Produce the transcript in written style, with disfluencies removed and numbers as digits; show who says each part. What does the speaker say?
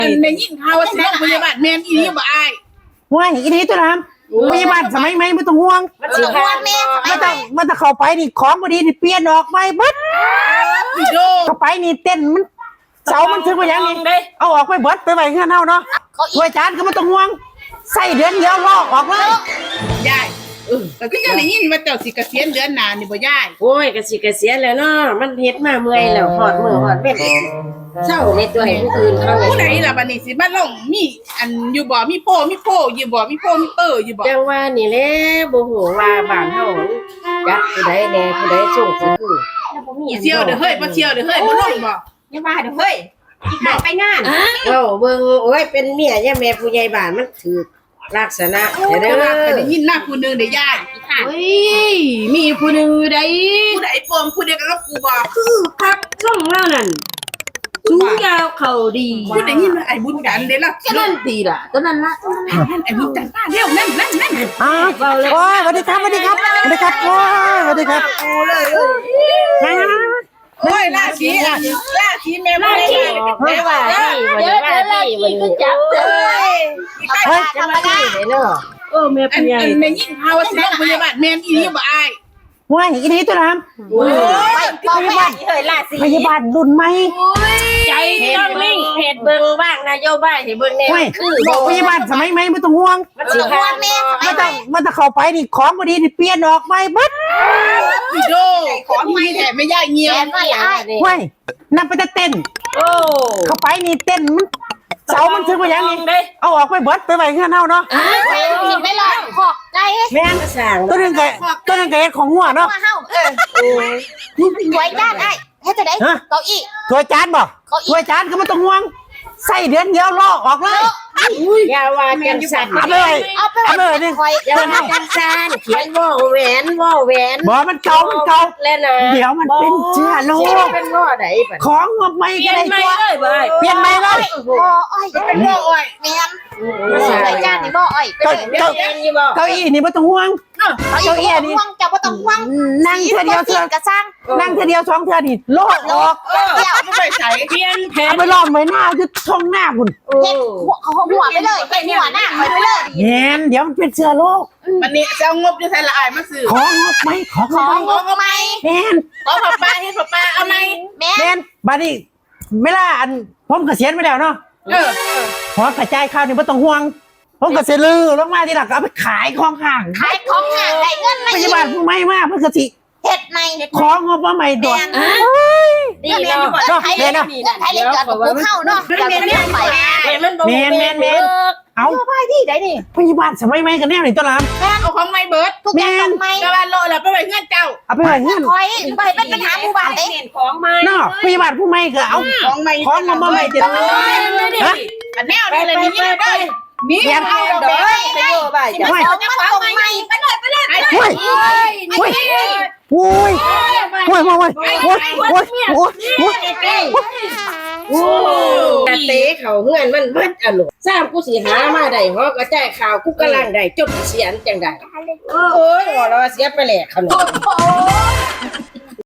Speaker 1: ในยิ่งเขาสิโรงพยาบาลแม่นอีนี่บ่อาย
Speaker 2: ว่าอีนี้ตัวน้ำพยาบาลสมัยใหม่ไม่ต้องห่วง
Speaker 3: มันสิห่วงแม่
Speaker 2: ไม่ต้องเข้าไปนี่ของบดีนี่เปลี่ยนออกไปเบิดเข้าไปนี่เต้นมันเสามันถึงไปยังนี่เอาออกไปเบิดไปไว้เงี้ยเน่าเนาะถ้วยจานก็ไม่ต้องห่วงใส่เดือนเดียวลอกออกเลย
Speaker 1: ยายแต่ก็ยังได้ยินว่าเจ้าสิเกษียณเดือนหน้านี่บ่ยาย
Speaker 3: โอ้ยกะสิเกษียณแล้วเนาะมันเฮ็ดมาเมื่อยแล้วหอดมือหอดเม็ดเศร้าในตัวให้ผู้อื่นเขา
Speaker 1: ผู้ใดล่ะบัดนี้สิมาลงมีอันอยู่บ่มีโพอยู่บ่มีโพมีเปอร์อยู่บ่
Speaker 3: จังว่านี่แหละบ่ฮู้ว่าบ้านเฮาจักผู้ใดแน่ผู้ใดส่งสิคือแล้วบ่มี
Speaker 1: เที่ยวเด้อเฮ้ยบ่เที่ยวเด้อเฮ้ยบ่ลงบ่
Speaker 4: อย่าว่าเด้อเฮ้ยอีกไปงาน
Speaker 3: เอ้าเบิ่งโอ้ยเป็นเมียย่าแม่ผู้ใหญ่บ้านมันถูกลักษณะเด้อ
Speaker 1: ได้ยินหน้าผู้นึงได้ยายเฮ้ยมีผู้นึงได้ผู้ใดปมผู้เดียวกันกับกูบ่
Speaker 3: คือพักช่องเล่านั่นสูงยาวเข่าดี
Speaker 1: ผู้ได้ยินไอ้บุญกันเด้ล่ะ
Speaker 4: ก็นั่นตีล่ะก็นั่นละ
Speaker 1: ไอ้บุญกันป้าเร็วนั่น
Speaker 2: อ้าวโอ้ยสวัสดีครับโอ้ยสวัสดีครับโอ้เลย
Speaker 1: โอ้ยราศีแม่บ่ได้
Speaker 3: แม่ว่าที่วันนี้
Speaker 4: จับ
Speaker 3: เฮ้ยทำอะไรเนาะ
Speaker 1: แม่ผู้ใหญ่แม่ยิ่งเขาสิโรงพยาบาลแม่นอีนี่บ่อาย
Speaker 2: ว่าอีนี้ตัวน้ำพยาบาลรุ่นใหม่
Speaker 3: ใจต้องนิ่งเหตุเบิ่งบ้างนโยบายให้เบิ่งแน่
Speaker 2: คือพยาบาลสมัยใหม่ไม่ต้องห่วง
Speaker 3: มันสิห่วงแม่
Speaker 2: ไม่ต้องเข้าไปนี่ของบดีนี่เปลี่ยนออกไปเบิด
Speaker 1: พี่โดของมีแถมไม่ย่ายเงียว
Speaker 2: ว้ยนั่นไปเต้นเข้าไปนี่เต้นมันเสามันถึงไปยังนี่เอาออกไปเบิดไปไว้เงี้ยเน่าเนาะ
Speaker 4: ไม่รอขอกใจ
Speaker 2: แม่ตัวนึงไก่ของหัวเนาะ
Speaker 4: ไว้ด้านไอ้ให้จะได้เก้าอี้
Speaker 2: ถ้วยจานบ่ถ้วยจานก็ไม่ต้องห่วงใส่เดือนเดียวลอกออกเลย
Speaker 3: อย่าว่าจังสั่น
Speaker 2: เอาเลย
Speaker 4: นี่
Speaker 3: อย่าว่าจังสั่นเขียนว่อแหวน
Speaker 2: บ่มันเก่า
Speaker 3: แล้วนะ
Speaker 2: เดี๋ยวมันเป็นเชื้อโรค
Speaker 3: เป็นว่อไหน
Speaker 2: ของงบไม่ก็ได้ตัวเปลี่ยนใหม่เลย
Speaker 4: บ่อ้อยเป็นบ่อ้อยแม่นใส่จานนี่บ่อ้อย
Speaker 2: เก้าอี้นี่ไม่ต้องห่วง
Speaker 4: เก้าอี้นี่จะบ่ต้องห่วง
Speaker 2: นั่งเทื่อเดียวกระซังนั่งเทื่อเดียว2เทื่อนี่โลดออก
Speaker 1: เดี๋ยวไม่ไปใส่เปลี่ยนแผน
Speaker 2: ไปล้อมไว้หน้าจะช่องหน้าคุณ
Speaker 4: เฮ็ดหัวไปเลยหัวหน้าไปเลย
Speaker 2: แม่นเดี๋ยวมันเป็นเชื้อโรค
Speaker 1: วันนี้จะเอางบอยู่ไสละอ้ายมาซื้อ
Speaker 2: ของงบไหมของ
Speaker 4: ไหม
Speaker 2: แม่น
Speaker 1: ขอป้าเฮ็ดป้าเอาไหม
Speaker 2: แม่นบัดนี้เวลาอันผมเกษียณไปแล้วเนาะขอกระจายข้าวนี่ไม่ต้องห่วงผมก็เสลือลงมาทีหลังก็เอาไปขายของห่าง
Speaker 4: ได้เงินไหม
Speaker 2: พยาบาลผู้ไม่มากเพื่อกสิ
Speaker 4: เฮ็ดไหม
Speaker 2: ของงบว่าไม่ด่วน
Speaker 3: ดีเนาะ
Speaker 4: ไทยเล่นกับผู้เข้าเนาะกับเรื่องใหม่
Speaker 2: แม่นเอา
Speaker 4: ไปที่ไหนนี่
Speaker 2: พยาบาลสมัยใหม่กันแน่เลยต้นลำ
Speaker 1: เอาของไม่เบิร์ด
Speaker 4: ทุกอย่างของไม่
Speaker 1: กระบาลโลละไปไว้เงื่อนเจ้า
Speaker 2: เอาไปไว้เงื่อน
Speaker 4: คอยไปเป็นปัญหาหมู่บ้านเอง
Speaker 1: ของไม่
Speaker 2: เนาะพยาบาลผู้ไม่ก็เอา
Speaker 1: ของไม่
Speaker 2: ของงบว่าไม่เจ็ด
Speaker 1: ฮะอันแนวนี้เลยนี่ได้นี่เอาเด้อ
Speaker 4: ไปโยบายจะเอาจะของไม่ไปเลย
Speaker 2: โอ้ย
Speaker 3: เตะเขาเฮือนมันเบิดอารมณ์สร้างกูสิหามาได้ฮอกระจายข่าวกูกำลังได้จดเสียนจังได๋โอ้ยว่าเราเสียไปแหลกขนม